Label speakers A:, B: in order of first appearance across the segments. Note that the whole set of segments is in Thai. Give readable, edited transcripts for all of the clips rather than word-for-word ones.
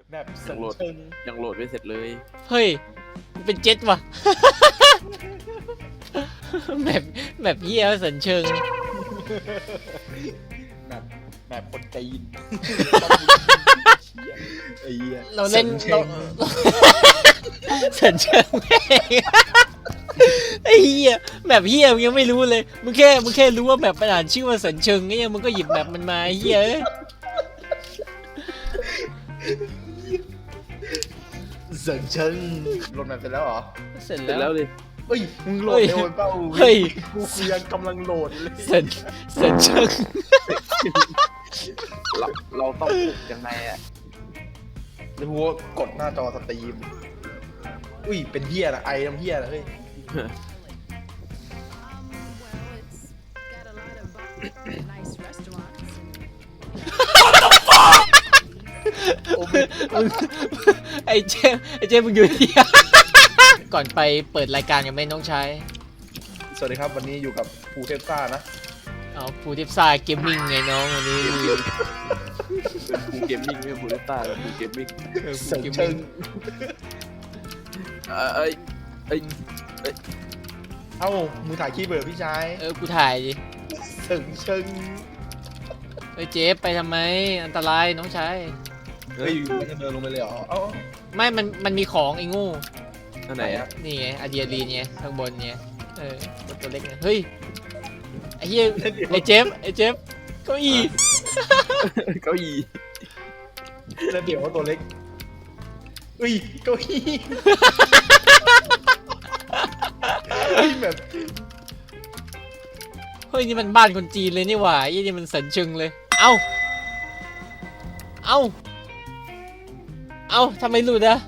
A: แบบเสริ
B: ยัง
A: ม
B: โหลด
A: เชิง
B: ยังโหลดไม่เสร็จเลย
C: เฮ้ยมันเป็นเจ็ตว่ะ แบบเหี้ยสันเชิง
A: แบบคนจีนไอ้เหี้ย
C: เราเล่น
A: สริม
C: เรา
A: เชิง
C: สันเชิงแม่งไอ้เหี้ยแบบเหี้ยมึงยังไม่รู้เลยมึงแค่รู้ว่าแบบมันอ่านชื่อว่าสันเชิงไงมึงก็หยิบแบบมันมาไอ้เหี้ยเอ้ย
A: เสริมเชิงโหลดแบบเสร็จแล้วเหรอ
C: เสร็จ
B: เสร็จ
C: แล้
B: แล้ว วดิ
A: เฮ้ยมึงโหลดเร็วไปเปล่า
C: เฮ้ย
A: กูยังกำลังโหลดเลย
C: สันเชิง
B: เราต้องปลุกยังไงอ่ะ
A: หรือว่ากดหน้าจอสตรีมอุ้ยเป็นเหี้ยนะไอน้ำเหี้ยนะเฮ้ย
D: Nice restaurants.
A: โอ้
C: มึงไอ้เจมมึงอยู่ที่ ก่อนไปเปิดรายการกันไหมน้องชาย
A: สวัสดีครับวันนี้อยู่กับภูเทพซ่านะ
C: เอาฟูทิปซ่าเกมมิ่งไงน้องวันนี้
B: กูเกมมิ่งไม่บูเลต้ากูเกมมิ่ง
A: เสริมเชิง
B: เอ้ยเอ้ย
A: เอ้ามือถ่ายคีย์เบิร์ดพี่ชาย
C: กูถ่ายดิ
A: เสริมเชิง
C: เฮ้ยเจฟไปทำไมอันตรายน้องชาย
A: เฮ้ยมันจะเดินลงไปเลยเหรอเอ้า
C: ไม่มันมีของไอ้งู
B: อันไหนอ่ะ
C: นี่ไงอะดรีนาลีนไงข้างบนไงตัวเล็กไงเฮ้ยไอ้เหี้ยไอ้เจฟเก้าอี้
B: เก้าอี้
A: แล้วเดี๋ยวว่าตัวเล็กอุ้ยเก้าอี้เฮ้ยแบบ
C: เฮ้ยนี่มันบ้านคนจีนเลยนี่หว่าไอ้นี่มันสันเชิงเลยเอ้าทำไมหลุดอะ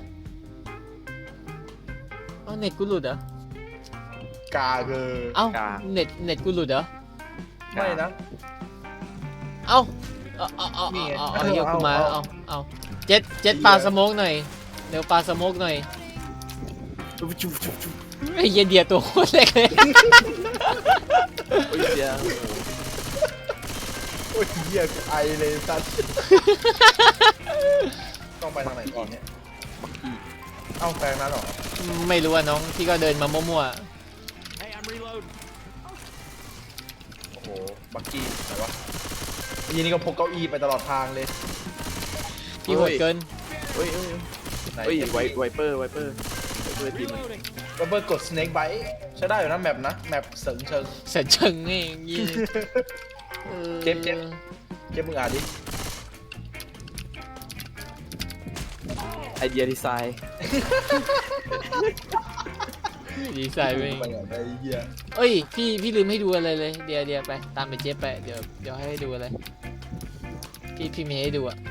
C: เอ้าเน็ตกูหลุดเหรอก
A: าเกอ
C: เอ้าเน็ตกูหลุดเหรอ
A: ไม่นะ
C: เอ้าเอา
A: นี่ไง
C: เอาเฮียกูมา
A: เอา
C: เอาเจ็ดปลาสโมกหน่อยเดี๋ยวปลาสโมกหน่อย
B: จุ๊บจุ๊บจุ๊บจุ๊บ
C: ไอ้เหี้ยเดียตัวโคตรเล็กเลย
B: โอ้ยเดี๋ยว
A: โอ้ยเหี้ยกูไอเลยสัสต้องไปทางไหนก่อนเนี่ยเอ้าแปลงนั้นเหรอ
C: ไม่รู้อะน้องพี่ก็เดินมามั่ว
A: โอ้โหบักกี้ไหนวะยีนี่ก็พกเก้าอี้ไปตลอดทางเลย
C: ๆพี่โหดเกิน
B: เฮ้ยเฮ้ย
A: ไหน
B: เฮ้ยไวเปอร์ทีมัน
A: ระเบิดกด snake bite ใช้ได้อยู่นะแมปนะแมปเสริมเชิง
C: สันเชิงไงอย่างงี้
A: เจ็บ เก็บมึงอ่านดิ
B: ไอเดียดีไซน์
C: ดีไซน์ไป
A: ไปอ่ะไอ้เหี้ย
C: เอ้ยพี่ลืมให้ดูอะไรเลยเดี๋ยวไปตามไปเจ๊ไปเดี๋ยวให้ดูอะไรพี่มีให้ดูอะ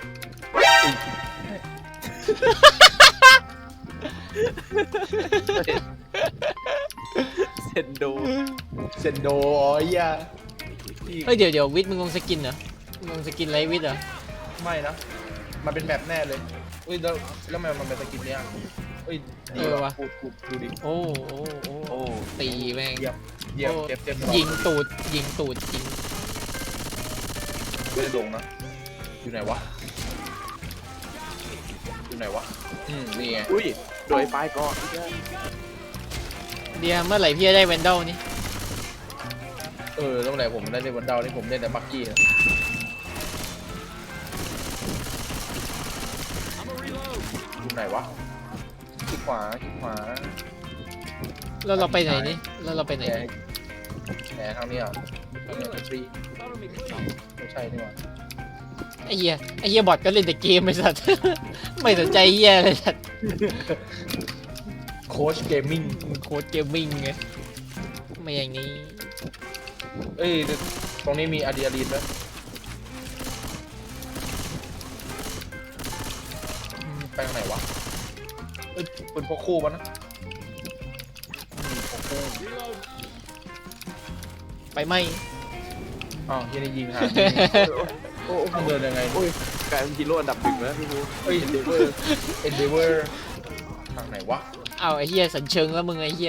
B: เซนโด
A: เซนโดอ๋อไอ้เหี้ยที่
C: เฮ้ยเดี๋ยววิทย์มึงลงสกินเหรอมึงลงสกินไรวิทย์เหรอ
A: ไม่นะ มันเป็นแมปแน่เลยเฮ้ยแล้วมันเป็นสกินเนี่ยเฮ้ยดีว่ะพูดดูดิ
C: โอ้
B: โอ้
C: ตีแม่ง
A: เยี่ยมเยี่ยมเจ็บ
C: ยิงตูดยิง
A: ไม่ได้ลงนะ อยู่ไหนวะ อยู่ไหนวะ นี่ไง
B: อุ้ยโดยปลายก่อน
C: เดี๋ยวเมื่อไหร่พี่จะได้แวนดอลนี่
A: แล้วเมื่อไหร่ผมได้เล่นวันดาวนี่ผมเล่นแต่บักกี้นะอยู่ไหนวะคลิกขวา
C: แล้วเราไปไหนนี่แล้วเราไปไหน
A: แหนทางนี้อ่ะทางนี้เป็นฟรีไม่ใช่นี่หว่า
C: ไอ้เหี้ยบอทก็เล่นแต่เกมไอ้สัตว์ ไม่สนใจเหี้ยเลยสัตว์
A: โค้ชเกมมิ่ง
C: มันโค้ดเกมมิ่งไงไม่อย่างนี้
A: ตรงนี้มีอะดรีนาลีนไหมไปทางไหนวะเป็นพวกคู่ปะนะพวกคู่
C: ไปไหม
A: อ้าวยังได้ยิงหาโอ้มันเดินยังไง
B: โอ้ยกลายเป็นฮีโร่อันดับหนึ่งแล้วพี่บู
A: เฮ้ย Endeavor ทางไหนวะ
C: เอาไอ้เหี้ยสันเชิงแล้วมึงไอ้เหี้ย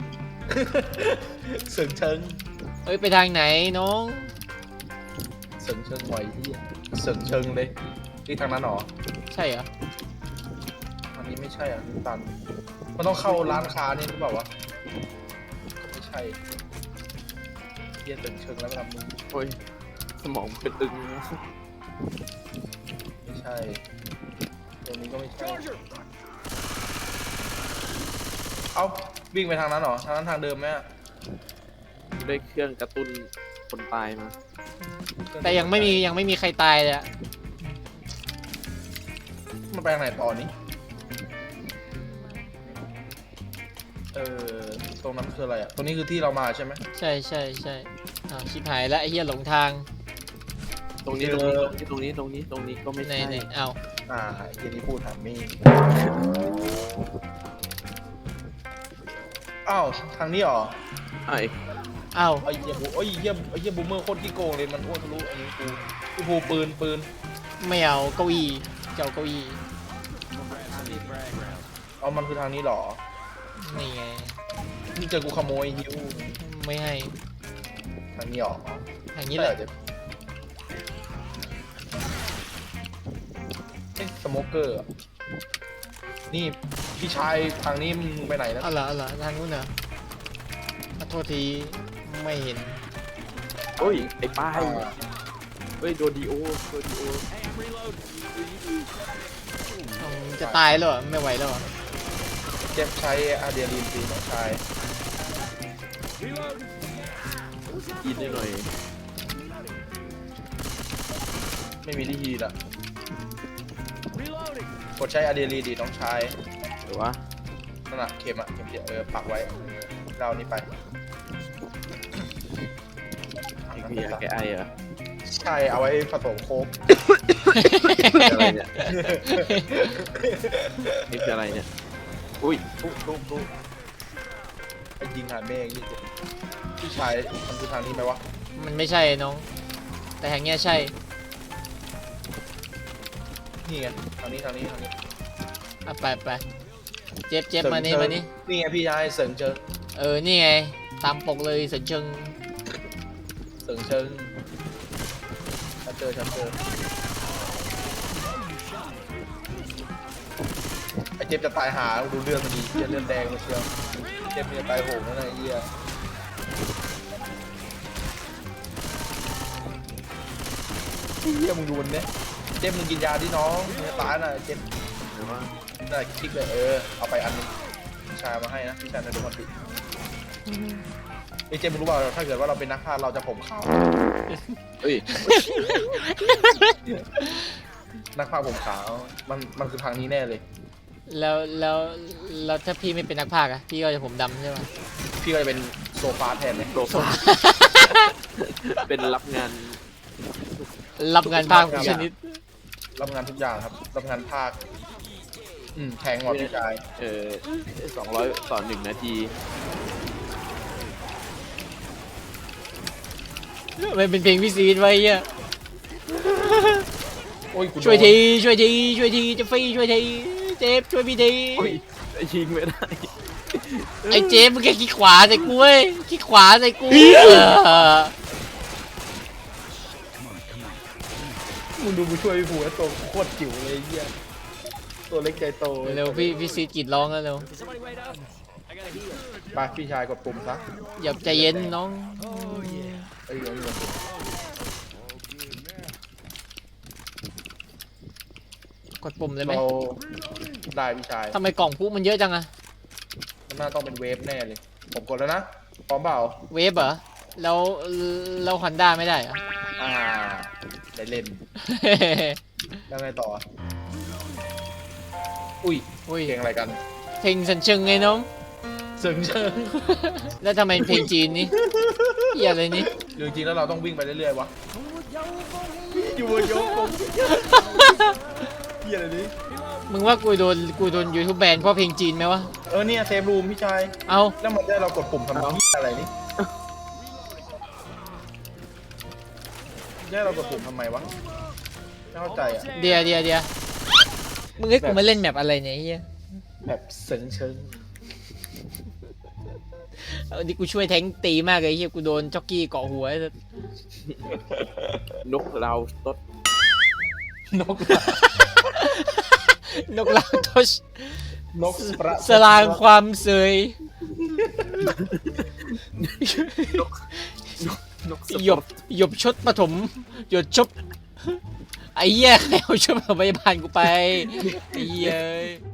A: เสิงเชิง
C: เอ้ยไปทางไหนน้อง
A: เสิงเชิงไหวที่เสิงเชิงเลยที่ทางนั้นหรอ
C: ใช่เหรอ
A: างนี้ไม่ใช่อ่ะตันมันต้องเข้าร้านค้านี่หรือเปล่าวะไม่ใช่เยี่ยตึงเชิงแล้วไปทำมึง
B: โอ้ยสมองเป็นตึง
A: ไม่ใช่ตรงนี้ก็ไม่ใช่เอ้าวิ่งไปทางนั้นเหรอทางนั้นทางเดิมไหมอะ
B: ได้เครื่องกระตุ้นคนตายมา
C: แต่ยังไม่มีใครตายเลยอะ
A: มันไปทางไหนต่อนี้ตรงนั้นคืออะไรอ่ะตรงนี้คือที่เรามาใช่ไหม
C: ใช่อ้าวชิบหายแล้วไอ้เหี้ยหลงทาง
B: ตรงนี้
A: เจ
B: ต
A: อ
B: รงนี้ก็ไม่
C: ไหน
B: ใช่
C: ไหนเอา
A: เย็นนี้พูดถามมี่อ้าวทางนี้เหรอ
B: ไอ้
C: เอา
A: ไอ้เหี้ยบูมเมอร์โคตรขี้โกงเลยมันอ้วนทะลุอันนี้กูภูปืน
C: ไม่เอาเก้าอี้เจ้าเก้าอี้
A: เอามันคือทางนี้เหรอ
C: นี่ไง
A: นี่เจอกูขโมยฮิว
C: ไม่ให้
A: ทางนี้เหรอ
C: อย่างนี้แหละ
A: สโมเกอร์นี่พี่ชายทางนี้มึงไปไหนนะ
C: เอาเหรอทางนู้นเหรอขอโทษทีไม่เห็น
B: โอ้ยไอ้ป้ายเฮ้ยโดนดีโอ
C: จะตายแล้วเหรอไม่ไหวแล้วเหรอ
A: เจ็บใช้อาเดียรีนตีน้องชาย
B: กินได้หน่อย
A: ไม่มีที่ฮีละกดใช้อาเดียรีนดีน้องชาย
B: หรือว่า
A: นั่นน่ะเข็มเดียวปักไว้เรานี่ไป
B: ไอ้เหี้ยแกไอเหรอ
A: ใช่เอาไว้ผสมโค้ก
B: อะไรเนี่ยนี่คืออะไรเนี่ยอุ้ย
A: ทุกไอ้ยิงหาแม่งนี่พี่ชายมันคือทางนี้ไหมวะ
C: มันไม่ใช่น้อง แต่แห่งเนี้ยใช่
A: นี่ไงทางนี้
C: เอาไปเจ็บมานี่มานี่
A: นี่ไงพี่ชายเสริงเชิง
C: นี่ไงตามปกเลยเสริญเชิง
A: ฉันเจอไอ้เจ็บจะตายหาดูเลือดมันดีเลือดแดงมาเชียวเจ็บมันจะตายโหงนั่นไงไอ้เหี้ยมึงดูมันเนี่ยเจ็บมึงกินยาดิน้องมึงจะตายน่ะเจ็บ
B: หรือว่า
A: น่าคลิกเลยเอาไปอันนึงพี่ชายมาให้นะพี่ชายในดูมันติไอ้เจ็บมึงรู้เปล่าถ้าเกิดว่าเราเป็นนักพากย์เราจะผมขาว
B: เฮ้ย
A: นักพากย์ผมขาวมันคือทางนี้แน่เลย
C: แล้วถ้าพี่ไม่เป็นนักพากย์อะพี่ก็จะผมดำใช่ไหม
A: พี่ก็จะเป็นโซฟาแทนเลย
B: โปรฟเป็นรับงาน
C: รับงานพากย์ทุกชนิด
A: รับงานทุกอย่างครับรับงานภาคแทงหมดพี่ชาย
B: 200 ต่อ 1 นาที
C: มันเป็นเพลงพี่ซีดไว้เหี้ย
A: โอ้ยกู
C: ช่วยทีจะฟรีช่วยทีเจฟช่วยพี่ที
B: โอ้ยยิงไม่ได้
C: ไอ้เจฟมึงแค่ขี้ขวาใส่กูเว้ยขี้ขวาใส่กู
A: มึงดูมึงช่วยพี่ผูแล้วตัวโคตรจิ๋วเลยไอ้เหี้ยตัวเล็กใจโต
C: เร็วพี่ซีดกรีดร้องแล้วเร็ว
A: ไปพี่ชายกดปุ่มซะ
C: อย่าใจเย็นน้อง
A: ไอ้เรื่องนี้มัน
C: กดปุ่มเลยไหม
A: เราได้พี่ชาย
C: ทำไมกล่องพุมันเยอะจังอะ
A: มันน่าต้องเป็นเวฟแน่เลยผมกดแล้วนะพร้อมเปล่า
C: เวฟเหรอแล้วฮอนด้าไม่ได้เหรอ
A: ได้เล่นแล้วไงต่ออุ้ย
C: อุ้ย
A: เพลงอะไรกัน
C: เพลงสันเชิงไงน้อง
A: เสริงเชิง
C: แล้วทำไมเพลงจีนนี่เหี้ยอะไรนี่
A: หรือจริงๆแล้วเราต้องวิ่งไปเรื่อยๆวะอยู่บนยกกงเหี้ยอะไรนี่
C: มึงว่ากูโดนยูทูบแบนเพราะเพลงจีนไหมวะ
A: เนี่ยเซฟรูมพี่ชาย
C: เอา
A: แล้วมันได้เรากดปุ่มทำไมอะไรนี่ได้เรากดปุ่มทำไมวะไม่เข้าใจอ่ะ
C: เดียวมึงให้กูมาเล่นแมปอะไรเนี่ยไอ้เฮีย
A: แบบเสิงเชิง
C: เอาดิกูช่วยแทงค์ตีมากเลยไอ้เฮียกูโดนจ็อกกี้เกาะหัวไอ้สัส
B: นกเราตด
A: นก
C: นกลาทช
A: นกประ
C: สลางความเสย
B: นกส
C: หยบหยบชดปฐมหยดชบไอ้เหี้ยใครเอาชุดพยาบาลกูไปไอ้เหี้ย